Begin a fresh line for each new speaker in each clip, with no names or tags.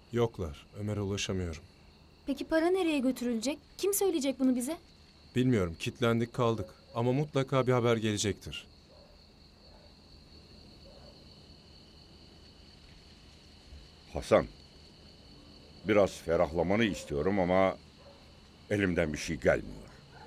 Yoklar. Ömer'e ulaşamıyorum.
Peki para nereye götürülecek? Kim söyleyecek bunu bize?
Bilmiyorum. Kitlendik kaldık. Ama mutlaka bir haber gelecektir.
Hasan, biraz ferahlamanı istiyorum ama elimden bir şey gelmiyor.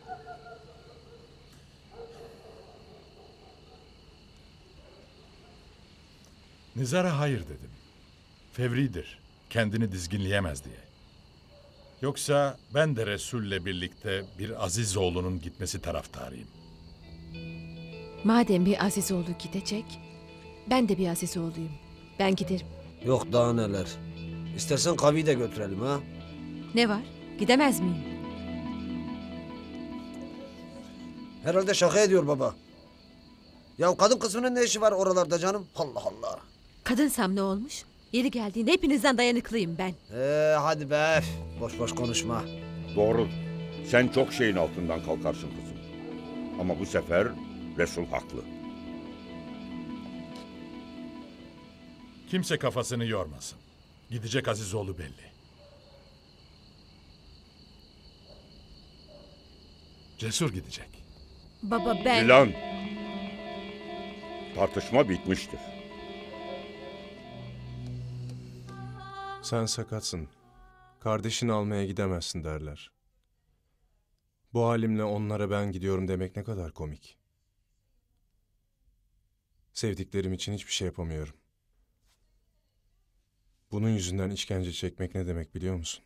Nizar'a hayır dedim. Fevridir. Kendini dizginleyemez diye. Yoksa ben de Resul'le birlikte bir Azizoğlu'nun gitmesi taraftarıyım.
Madem bir Azizoğlu gidecek, ben de bir Azizoğlu'yum. Ben giderim.
Yok daha neler. İstersen Kavi'yi de götürelim ha.
Ne var? Gidemez miyim?
Herhalde şaka ediyor baba. Ya kadın kısmının ne işi var oralarda canım? Allah Allah.
Kadınsam ne olmuş? Yeri geldiğinde hepinizden dayanıklıyım ben.
Hadi be. Boş boş konuşma.
Doğru, sen çok şeyin altından kalkarsın kızım. Ama bu sefer Resul haklı.
Kimse kafasını yormasın. Gidecek Azizoğlu belli. Cesur gidecek.
Baba ben...
Dilan, tartışma bitmiştir.
Sen sakatsın. Kardeşini almaya gidemezsin derler. Bu halimle onlara ben gidiyorum demek ne kadar komik. Sevdiklerim için hiçbir şey yapamıyorum. Bunun yüzünden işkence çekmek ne demek biliyor musun?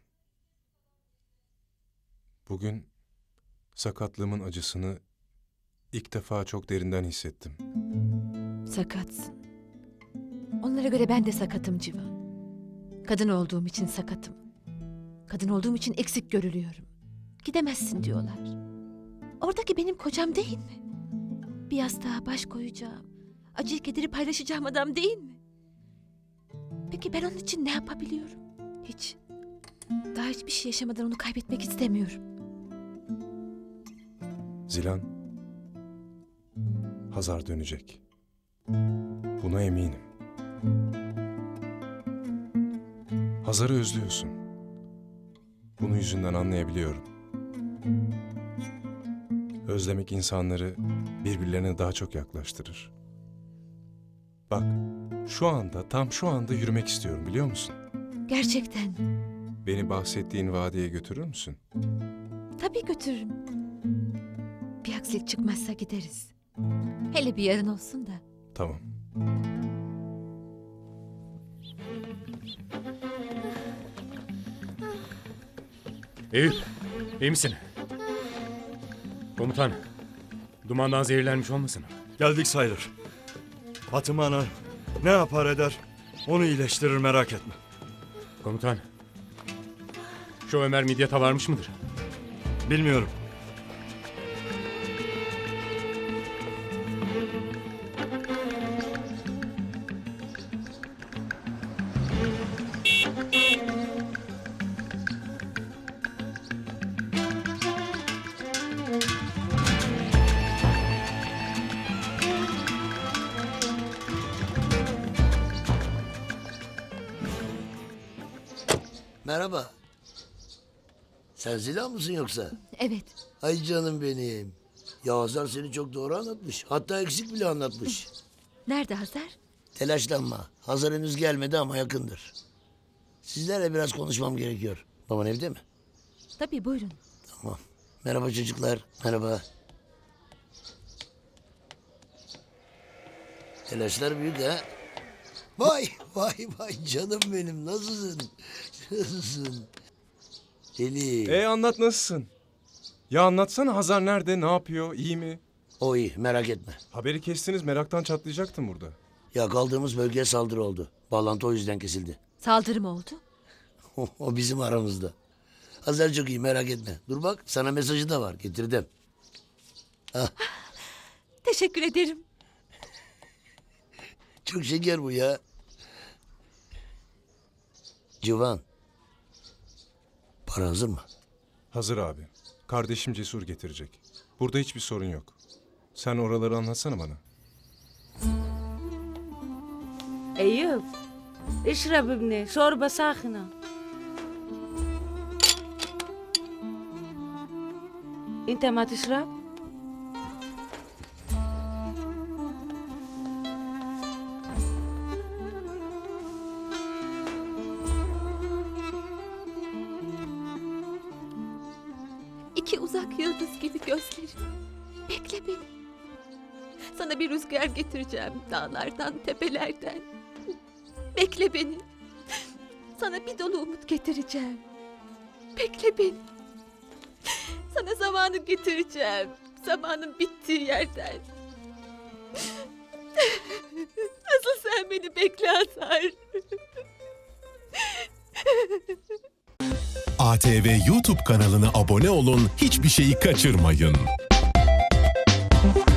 Bugün sakatlığımın acısını ilk defa çok derinden hissettim.
Sakatsın. Onlara göre ben de sakatım Civan. Kadın olduğum için sakatım. Kadın olduğum için eksik görülüyorum. Gidemezsin diyorlar. Oradaki benim kocam değil mi? Bir yastığa baş koyacağım, acıyı kederi paylaşacağım adam değil mi? Peki ben onun için ne yapabiliyorum? Hiç. Daha hiçbir şey yaşamadan onu kaybetmek istemiyorum.
Zilan, Hazar dönecek. Buna eminim. Hazar'ı özlüyorsun. Bunu yüzünden anlayabiliyorum. Özlemek insanları birbirlerine daha çok yaklaştırır. Bak, tam şu anda yürümek istiyorum biliyor musun?
Gerçekten.
Beni bahsettiğin vadiye götürür müsün?
Tabii götürürüm. Bir aksilik çıkmazsa gideriz. Hele bir yarın olsun da.
Tamam.
Eyüp, iyi misin? Komutan, dumandan zehirlenmiş olmasın?
Geldik sayılır. Fatıma Ana ne yapar eder onu iyileştirir merak etme.
Komutan, şu Ömer Midyat'a varmış mıdır?
Bilmiyorum.
Merhaba. Sen Zilan mısın yoksa?
Evet.
Ay canım benim. Ya Hazar seni çok doğru anlatmış. Hatta eksik bile anlatmış.
Nerede Hazar?
Telaşlanma. Hazar henüz gelmedi ama yakındır. Sizlerle biraz konuşmam gerekiyor. Baban evde mi?
Tabii buyurun.
Tamam. Merhaba çocuklar. Merhaba. Telaşlar büyük ha. Vay vay vay canım benim. Nasılsın? Nasılsın? Deli.
Anlat nasılsın? Ya anlatsana Hazar nerede, ne yapıyor, iyi mi?
O iyi merak etme.
Haberi kestiniz, meraktan çatlayacaktım burada.
Ya kaldığımız bölgeye saldırı oldu. Bağlantı o yüzden kesildi.
Saldırı mı oldu?
O bizim aramızda. Hazar çok iyi merak etme. Dur bak sana mesajı da var getirdim.
Teşekkür ederim.
Çok şeker bu ya. Civan. Para hazır mı?
Hazır abi. Kardeşim Cesur getirecek. Burada hiçbir sorun yok. Sen oraları anlatsana bana.
Eyüp, اشرب ابني شوربة ساخنة. انت ما تشرب؟
İki uzak yıldız gibi gözlerim. Bekle beni. Sana bir rüzgar getireceğim dağlardan, tepelerden. Bekle beni. Sana bir dolu umut getireceğim. Bekle beni. Sana zamanı getireceğim. Zamanın bittiği yerden. Nasıl sen beni bekle Hazar.
ATV YouTube kanalına abone olun, hiçbir şeyi kaçırmayın.